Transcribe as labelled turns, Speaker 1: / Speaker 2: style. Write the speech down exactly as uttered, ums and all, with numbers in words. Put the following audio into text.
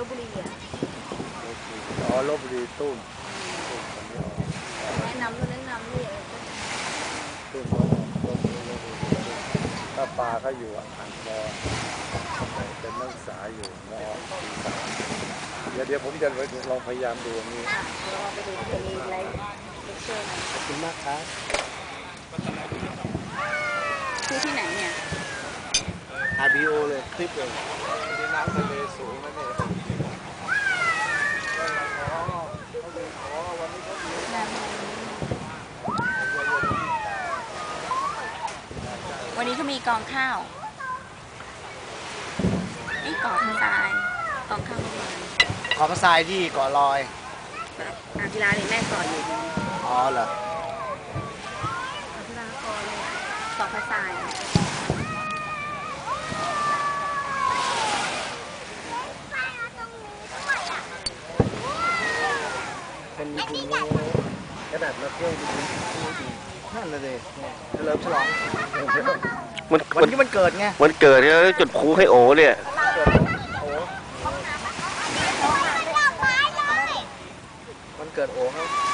Speaker 1: บบุรีอ่ะ
Speaker 2: อ๋อลบบุรีตุ้ม
Speaker 1: แนะนำก็แนะนำนี่
Speaker 2: ตุ้มลบบุรีลบบุรีถ้าปลาเขาอยู่อ่างมอเป็นนักศึกษาอยู่มอปีสามเดี๋ยวเดี๋ยวผมจะลองพยายามดูนี้
Speaker 1: เราไปดูที่มีอะไรเลคเชอร์นะ
Speaker 2: ขอบคุณมากครับ
Speaker 1: ที่ที่ไหนเนี่ย
Speaker 2: อาร์ บี โอ เลยคลิปเลยที่น้ำทะเลสูงนั่นเอง
Speaker 1: วันนี้เขามีกองข้าวนี่กองทรายกองข้าวลอย
Speaker 2: ขอพระทรายที่เกาะลอย
Speaker 1: อ่างศิลาเนี่ยแม่ก่ออยู่
Speaker 2: อ๋อเหรอ
Speaker 1: อ่างศิลาก่อเลยกองพระทราย
Speaker 2: เป็นบุญขนาดมาเที่ยวดีดีนั่นเลยเริ่มฉลอง
Speaker 3: มัน
Speaker 2: วันที่มันเกิดไง
Speaker 3: วันเกิดเนี่ยจุดพลุให้โอเนี่ย
Speaker 2: วันเกิดโอครับ